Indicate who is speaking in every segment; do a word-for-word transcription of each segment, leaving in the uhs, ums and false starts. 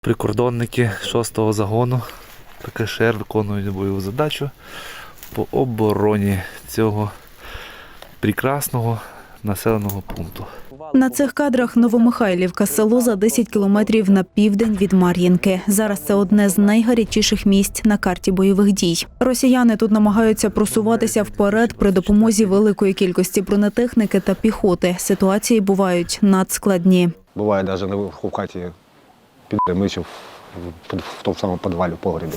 Speaker 1: Прикордонники шостого загону ПКШР виконують бойову задачу по обороні цього прекрасного населеного пункту.
Speaker 2: На цих кадрах Новомихайлівка – село за десять кілометрів на південь від Мар'їнки. Зараз це одне з найгарячіших місць на карті бойових дій. Росіяни тут намагаються просуватися вперед при допомозі великої кількості бронетехніки та піхоти. Ситуації бувають надскладні.
Speaker 3: Буває навіть наверху в хаті під мичів в тому самому підвалі, в погребі.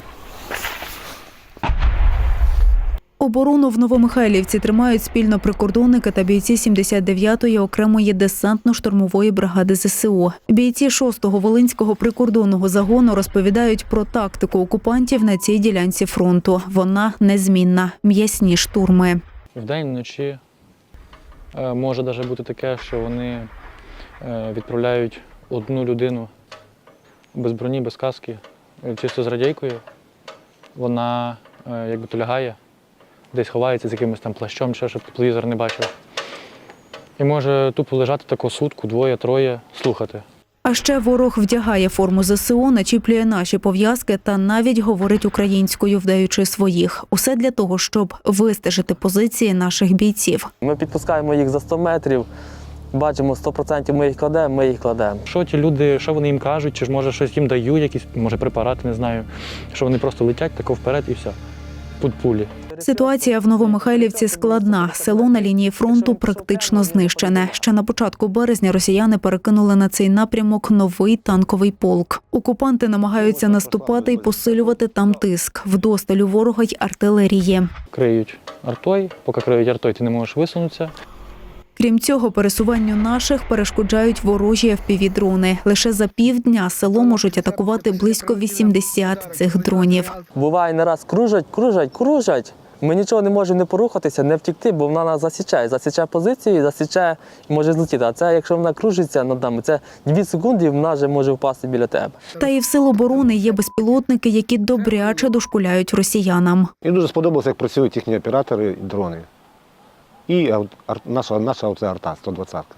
Speaker 2: Оборону в Новомихайлівці тримають спільно прикордонники та бійці сімдесят дев'ятої окремої десантно-штурмової бригади ЗСУ. Бійці шостого Волинського прикордонного загону розповідають про тактику окупантів на цій ділянці фронту. Вона незмінна – м'ясні штурми.
Speaker 4: Вдень, вночі може навіть бути таке, що вони відправляють одну людину без броні, без каски, чисто з радійкою. Вона якби то лягає, десь ховається з якимось там плащом, ще, щоб телевізор не бачив. І може тупо лежати таку сутку, двоє, троє, слухати.
Speaker 2: А ще ворог вдягає форму ЗСУ, начіплює наші пов'язки та навіть говорить українською, вдаючи своїх. Усе для того, щоб вистежити позиції наших бійців.
Speaker 5: Ми підпускаємо їх за сто метрів, бачимо сто відсотків ми їх кладемо, ми їх кладемо.
Speaker 4: Що ті люди, що вони їм кажуть, чи ж може щось їм дають, якісь, може препарати, не знаю, що вони просто летять тако вперед і все, під пулі.
Speaker 2: Ситуація в Новомихайлівці складна. Село на лінії фронту практично знищене. Ще на початку березня росіяни перекинули на цей напрямок новий танковий полк. Окупанти намагаються наступати і посилювати там тиск. Вдосталь у ворога й артилерії.
Speaker 4: Криють артою, поки криють артою, ти не можеш висунутися.
Speaker 2: Крім цього, пересуванню наших перешкоджають ворожі еф пі ві-дрони. Лише за півдня село можуть атакувати близько вісімдесят цих дронів.
Speaker 5: Буває, не раз кружать, кружать, кружать. Ми нічого не можемо не порухатися, не втікти, бо вона нас засічає. Засічає позицію, засічає і може злетіти. А це, якщо вона кружиться над нами, це дві секунди і вона вже може впасти біля тебе.
Speaker 2: Та і в сил оборони є безпілотники, які добряче дошкуляють росіянам.
Speaker 3: Мені дуже сподобалося, як працюють їхні оператори і дрони. І наша, наша оце арта, сто двадцятка.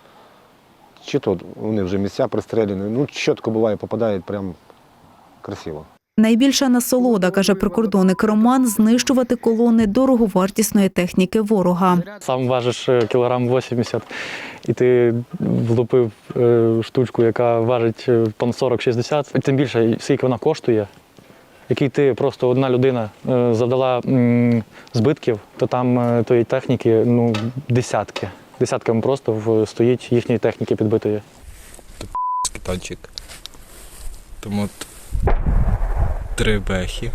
Speaker 3: Чи то вони вже місця пристріляні, ну чітко буває, попадають прям красиво.
Speaker 2: Найбільша насолода, каже прикордонник Роман, знищувати колони дороговартісної техніки ворога.
Speaker 4: Сам важиш кілограм вісімдесят, і ти влупив штучку, яка важить тонн сорок-шістдесят. Тим більше, скільки вона коштує, який ти просто одна людина завдала збитків, то там тої техніки ну, десятки. Десятками просто стоїть їхньої техніки підбитої.
Speaker 6: Це танчик. Тому три бехи.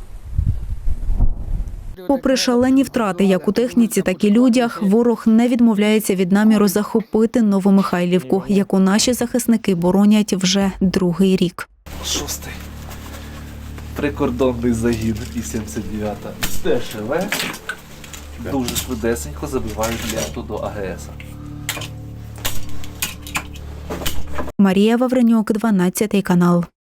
Speaker 2: Попри шалені втрати як у техніці, так і людях, ворог не відмовляється від наміру захопити Новомихайлівку, яку наші захисники боронять вже другий рік.
Speaker 1: Шостий прикордонний загін і сімдесят дев'ята Д Ш В дуже швидесенько забивають ленту до А Ге Ес.
Speaker 2: Марія Вавренюк, дванадцятий канал.